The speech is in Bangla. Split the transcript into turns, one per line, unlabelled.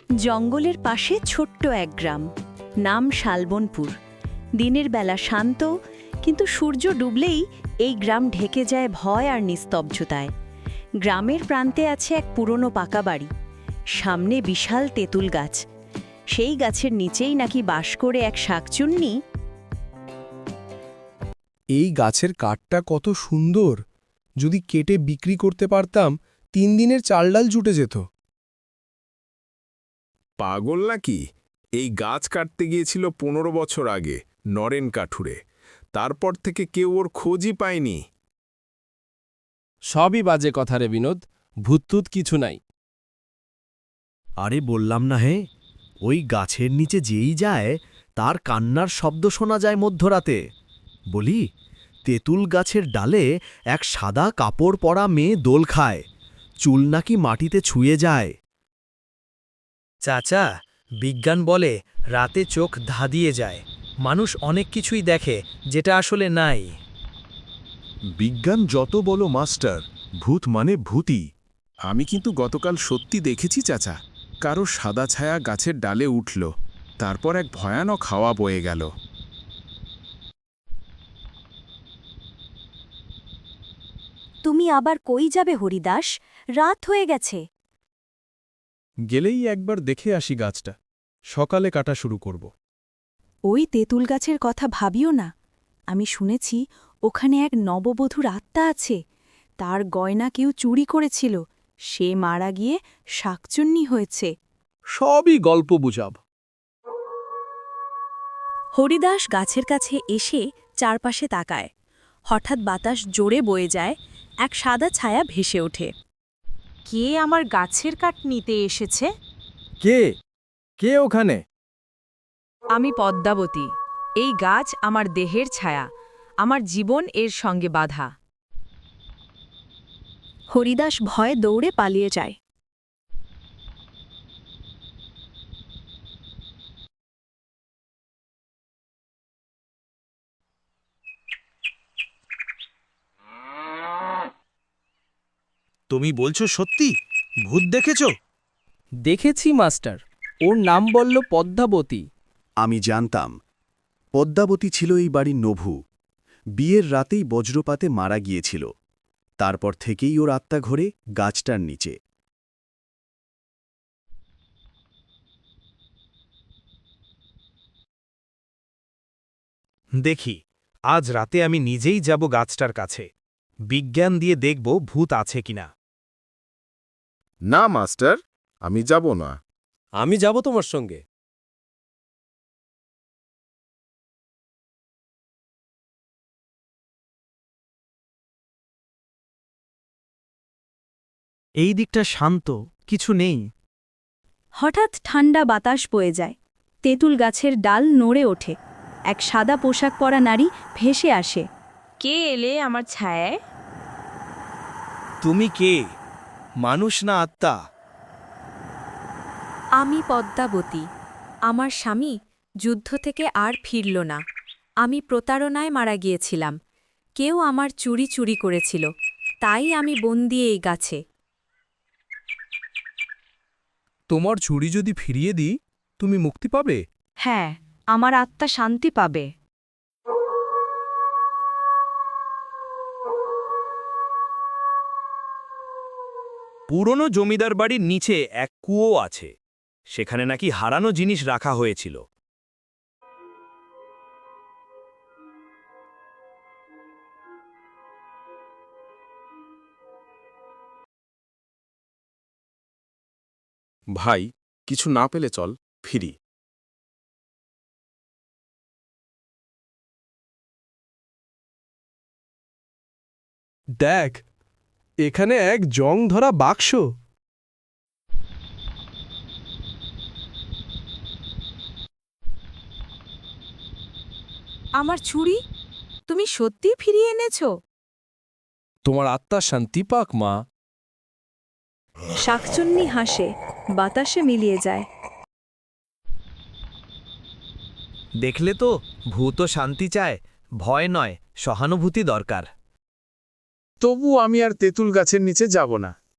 জঙ্গলের পাশে ছোট্ট এক গ্রাম, নাম শালবনপুর। দিনের বেলা শান্ত, কিন্তু সূর্য ডুবলেই এই গ্রাম ঢেকে যায় ভয় আর নিস্তব্ধতায়। গ্রামের প্রান্তে আছে এক পুরনো পাকা বাড়ি, সামনে বিশাল তেঁতুল গাছ। সেই গাছের নিচেই নাকি বাস করে এক শাকচুন্নি।
এই গাছের কাঠটা কত সুন্দর! যদি কেটে বিক্রি করতে পারতাম, 3 দিনের চাল ডাল জুটে যেত।
পাগল নাকি? এই গাছ কাটতে গিয়েছিল 15 বছর আগে নরেন কাঠুরে। তারপর থেকে কেউ ওর খোঁজই পায়নি।
সবই বাজে কথা রে বিনোদ, ভূততুত কিছু নাই।
আরে বললাম না হে, ওই গাছের নিচে যেই যায় তার কান্নার শব্দ শোনা যায় মধ্যরাতে। বলি, তেঁতুল গাছের ডালে এক সাদা কাপড় পরা মেয়ে দোল খায়, চুল নাকি মাটিতে ছুঁয়ে যায়।
চাচা, বিজ্ঞান বলে রাতে চোখ ধাঁধিয়ে যায়, মানুষ অনেক কিছুই দেখে যেটা আসলে নাই।
বিজ্ঞান যত বলো মাস্টার, ভূত মানে ভূতই। আমি কিন্তু গতকাল সত্যি দেখেছি চাচা, কারো সাদা ছায়া গাছের ডালে উঠল, তারপর এক ভয়ানক হাওয়া বয়ে গেল।
তুমি আবার কই যাবে হরিদাস? রাত হয়ে গেছে।
গেলেই একবার দেখে আসি গাছটা, সকালে কাটা শুরু করব।
ওই তেঁতুল গাছের কথা ভাবিও না। আমি শুনেছি ওখানে এক নববধূর আত্মা আছে। তার গয়না কেউ চুরি করেছিল, সে মারা গিয়ে শাকচুন্নি হয়েছে।
সবই গল্প বুঝাব।
হরিদাস গাছের কাছে এসে চারপাশে তাকায়। হঠাৎ বাতাস জোরে বয়ে যায়, এক সাদা ছায়া ভেসে ওঠে।
কে আমার গাছের কাঠ নিতে এসেছে?
কে কে ওখানে?
আমি পদ্মাবতী। এই গাছ আমার দেহের ছায়া, আমার জীবন এর সঙ্গে বাঁধা।
হরিদাস ভয়ে দৌড়ে পালিয়ে যায়।
তুমি বলছো সত্যি? ভূত দেখেছ?
দেখেছি মাস্টার, ওর নাম বলল পদ্মাবতী।
আমি জানতাম পদ্মাবতী ছিল এই বাড়ির নভু। বিয়ের রাতেই বজ্রপাতে মারা গিয়েছিল। তারপর থেকেই ওর আত্মা ঘোরে গাছটার নিচে।
দেখি, আজ রাতে আমি নিজেই যাব গাছটার কাছে। বিজ্ঞান দিয়ে দেখব ভূত আছে কিনা।
না মাস্টার, আমি যাব না।
আমি যাব তোমার সঙ্গে।
এই দিকটা শান্ত, কিছু নেই।
হঠাৎ ঠান্ডা বাতাস বয়ে যায়, তেঁতুল গাছের ডাল নড়ে ওঠে। এক সাদা পোশাক পরা নারী ভেসে আসে।
কে এলে আমার ছায়ায়?
তুমি কে? মানুষ না আত্মা?
আমি পদ্মাবতী। আমার স্বামী যুদ্ধ থেকে আর ফিরল না। আমি প্রতারণায় মারা গিয়েছিলাম। কেউ আমার চুরি করেছিল, তাই আমি বন্দী এই গাছে।
তোমার চুরি যদি ফিরিয়ে দিই, তুমি মুক্তি পাবে?
হ্যাঁ, আমার আত্মা শান্তি পাবে।
পুরনো জমিদার বাড়ির নিচে এক কুয়ো আছে, সেখানে নাকি হারানো জিনিস রাখা হয়েছিল।
ভাই, কিছু না পেলে চল ফিরি।
দেখ, এখানে এক জং ধরা বাক্স।
আমার ছুরি তুমি সত্যি ফিরিয়ে এনেছো?
তোমার আত্মা শান্তি পাক মা।
শাকচুন্নি হাসে, বাতাসে মিলিয়ে যায়।
দেখলে তো, ভূত শান্তি চায়, ভয় নয়, সহানুভূতি দরকার।
তবু আমি আর তেঁতুল গাছের নিচে যাব না।